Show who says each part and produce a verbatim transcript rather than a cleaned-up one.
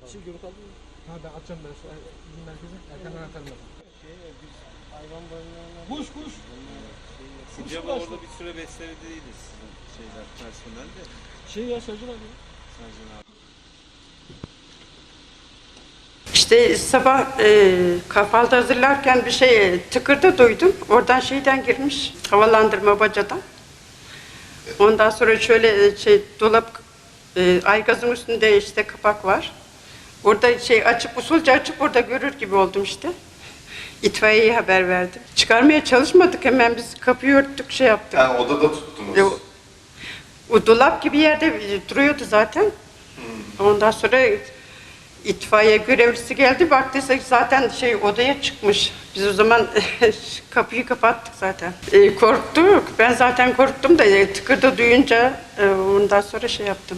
Speaker 1: Şey görüntü aldın mı?
Speaker 2: Ha ben atacağım ben şu bizim merkeze. Erkenden atarım ben.
Speaker 1: Şey, biz hayvan barınağına...
Speaker 2: Kuş kuş.
Speaker 3: Sincan'da orada bir süre beslenediydi sizin şeyler, personel de.
Speaker 1: Şey ya Sercan abi.
Speaker 3: Sercan abi.
Speaker 4: İşte sabah e, kahvaltı hazırlarken bir şey tıkırdı duydum. Oradan şeyden girmiş, havalandırma bacadan. Ondan sonra şöyle e, şey dolap, e, aygazın üstünde işte kapak var. Orada şey açıp usulca açıp orada görür gibi oldum işte. İtfaiyeye haber verdim. Çıkarmaya çalışmadık, hemen biz kapıyı örttük, şey yaptık.
Speaker 5: Yani odada tuttunuz.
Speaker 4: E, o, o dolap gibi yerde e, duruyordu zaten. Ondan sonra itfaiye görevlisi geldi, baktıysa zaten şey odaya çıkmış. Biz o zaman kapıyı kapattık zaten. E, korktuk. Ben zaten korktum da e, tıkırdı duyunca e, ondan sonra şey yaptım.